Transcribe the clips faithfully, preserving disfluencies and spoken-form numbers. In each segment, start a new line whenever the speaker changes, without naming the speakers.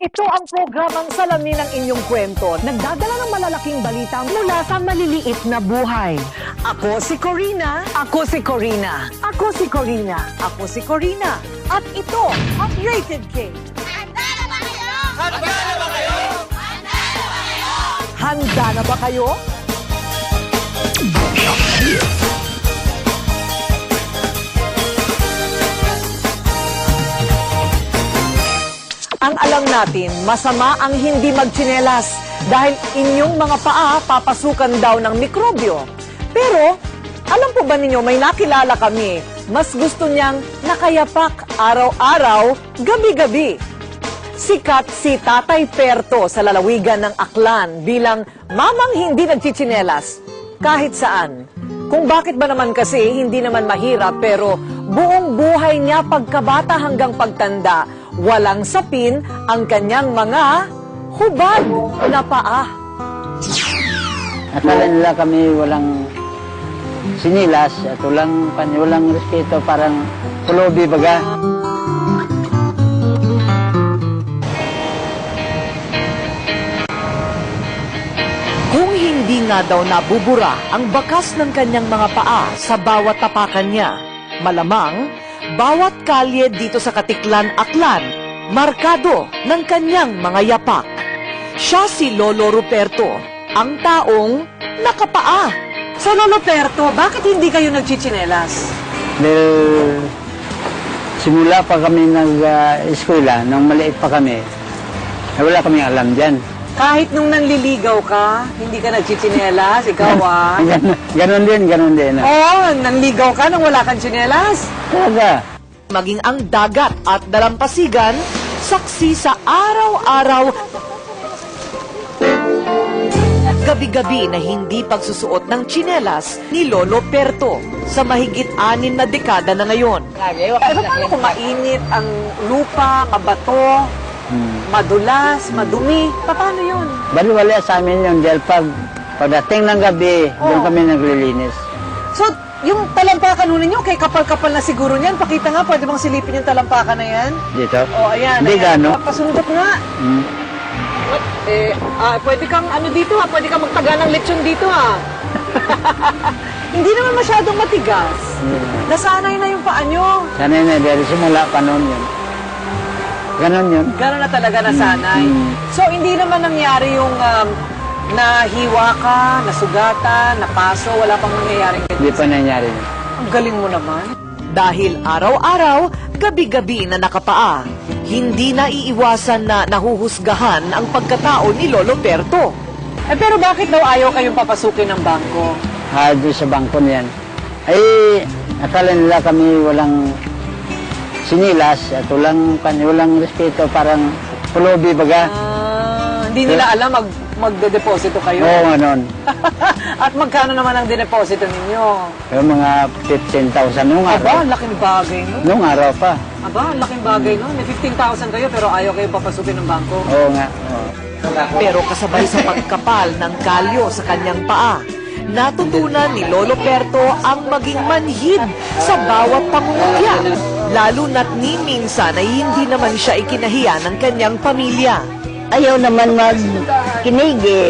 Ito ang programang salamin ng inyong kwento. Nagdadala ng malalaking balita mula sa maliliit na buhay. Ako si Corina. Ako si Corina. Ako si Corina. Ako si Corina. At ito ang Rated K.
Handa na ba kayo?
Handa na ba kayo?
Handa na ba kayo?
Handa na ba kayo? Ang alam natin, masama ang hindi magtsinelas dahil inyong mga paa papasukan daw ng mikrobyo. Pero, alam po ba ninyo, may nakilala kami, mas gusto niyang nakayapak araw-araw, gabi-gabi. Sikat si Tatay Perto sa lalawigan ng Aklan bilang mamang hindi nagchichinelas kahit saan. Kung bakit ba naman kasi hindi naman mahirap pero buong buhay niya pagkabata hanggang pagtanda, walang sapin ang kanyang mga hubad na paa.
Akala nila kami walang sinilas at walang, walang respeto, parang pulobi baga.
Kung hindi nga daw nabubura ang bakas ng kanyang mga paa sa bawat tapakan niya, malamang bawat kalye dito sa Katiklan, Aklan, markado ng kanyang mga yapak. Siya si Lolo Ruperto, ang taong nakapaa. So Lolo Ruperto, bakit hindi kayo nagchichinelas?
Dahil simula pa kami nag-eskwela, nung maliit pa kami, eh, wala kaming alam dyan.
Kahit nung nanliligaw ka, hindi ka nagchichinelas, ikaw ah.
Ganon, ganon din, ganon din.
Oo, oh, nanligaw ka nang wala kang chinelas.
Talaga.
Maging ang dagat at dalampasigan, saksi sa araw-araw, gabi-gabi na hindi pagsusuot ng tsinelas ni Lolo Perto sa mahigit anin na dekada na ngayon. Pero paano kung mainit ang lupa, mabato,
Hmm.
madulas, madumi? Paano yun?
Baliwala sa amin yun dahil pag pagdating ng gabi, doon
Oh.
kami naglilinis.
So, yung talampakan nun ninyo, kay kapal-kapal na siguro niyan. Pakita nga, pwede bang silipin yung talampakan na yan?
Dito?
O, oh, ayan.
Hindi
ayan.
gano.
Pasunod nga.
Hmm.
Eh, ah, pwede kang ano dito ha, pwede kang magtaga ng lechon dito ha. Hindi naman masyadong matigas.
Hmm.
Nasanay na yung paa nyo.
Sanay na, dahil simula pa noon yun. Ganon yun.
Gano'n na talaga nasanay.
Mm.
So, hindi naman nangyari yung um, nahiwa ka, nasugatan, napaso, wala pang nangyayaring
Hindi
ganyan.
pa nangyari.
Ang galing mo naman. Dahil araw-araw, gabi-gabi na nakapaa, hindi na iiwasan na nahuhusgahan ang pagkatao ni Lolo Perto. Eh pero bakit daw ayaw kayong papasukin ng bangko?
Ah, doon sa bangko niyan. Ay, akala nila kami walang sinilas at walang, walang respeto, parang pulobi baga.
Ah, hindi nila alam mag magde-deposito kayo.
Oo, ganon.
At magkano naman ang dineposito ninyo?
Yung mga fifteen thousand nung
Aba,
araw.
laking bagay no?
Nung araw pa.
Aba, laking bagay no? May fifteen thousand kayo pero ayaw kayo papasukin ng bangko.
Oo nga. Oo.
Pero kasabay sa pagkapal ng kalyo sa kanyang paa, natutunan ni Lolo Perto ang maging manhid sa bawat pangungutya. Lalo na't ni minsan ay hindi naman siya ikinahiya ng kanyang pamilya.
Ayaw naman magkinig eh.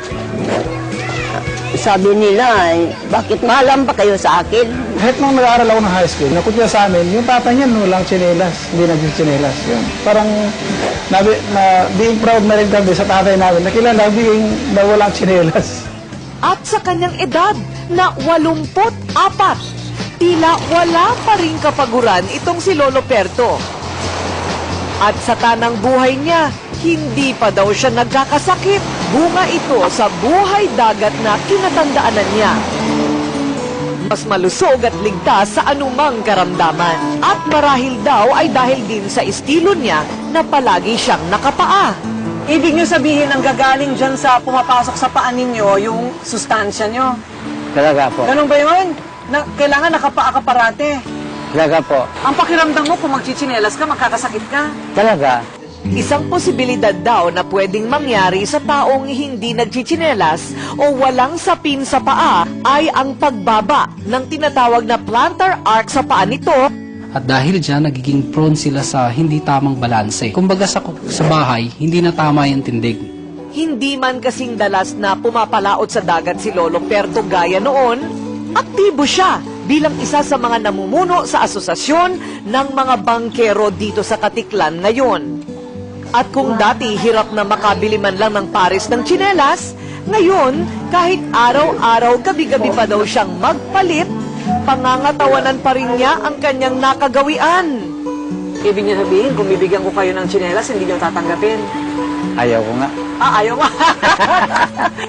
Sabi nila, eh, bakit malam pa kayo sa akin?
Kahit nung nag-aaral ako ng high school, nakutya sa amin, yung tata niya walang tsinelas, hindi nagsitsinelas. Yun. Parang nabi, na, being proud na rin kami sa tatay namin, nakilala being na walang tsinelas.
At sa kanyang edad na walumput apat, tila wala pa rin kapaguran itong si Lolo Perto. At sa tanang buhay niya, hindi pa daw siya nagkakasakit. Bunga ito sa buhay dagat na kinatandaanan niya. Mas malusog at ligtas sa anumang karamdaman. At marahil daw ay dahil din sa estilo niya na palagi siyang nakapaa. Ibig niyo sabihin ang gagaling dyan sa pumapasok sa paa ninyo yung sustansya niyo.
Talaga po.
Ganun ba yun? Na, kailangan nakapaa ka parate.
Talaga po.
Ang pakiramdam mo kung magchichinelas ka, magkakasakit ka.
Talaga.
Isang posibilidad daw na pwedeng mangyari sa taong hindi nagchichinelas o walang sapin sa paa ay ang pagbaba ng tinatawag na plantar arc sa paa nito.
At dahil dyan, nagiging prone sila sa hindi tamang balanse. Kumbaga sa, sa bahay, hindi na tama yung tindig.
Hindi man kasing dalas na pumapalaot sa dagat si Lolo Perto gaya noon, aktibo siya bilang isa sa mga namumuno sa asosasyon ng mga bangkero dito sa Katiklan ngayon. At kung dati hirap na makabili man lang ng pares ng tsinelas, ngayon kahit araw-araw gabi-gabi pa daw siyang magpalit, pangangatawanan pa rin niya ang kanyang nakagawian. Ibig niya sabihin, kung bibigyan ko kayo ng tsinelas, hindi niyo tatanggapin.
Ayaw ko nga.
Ah, ayaw mo.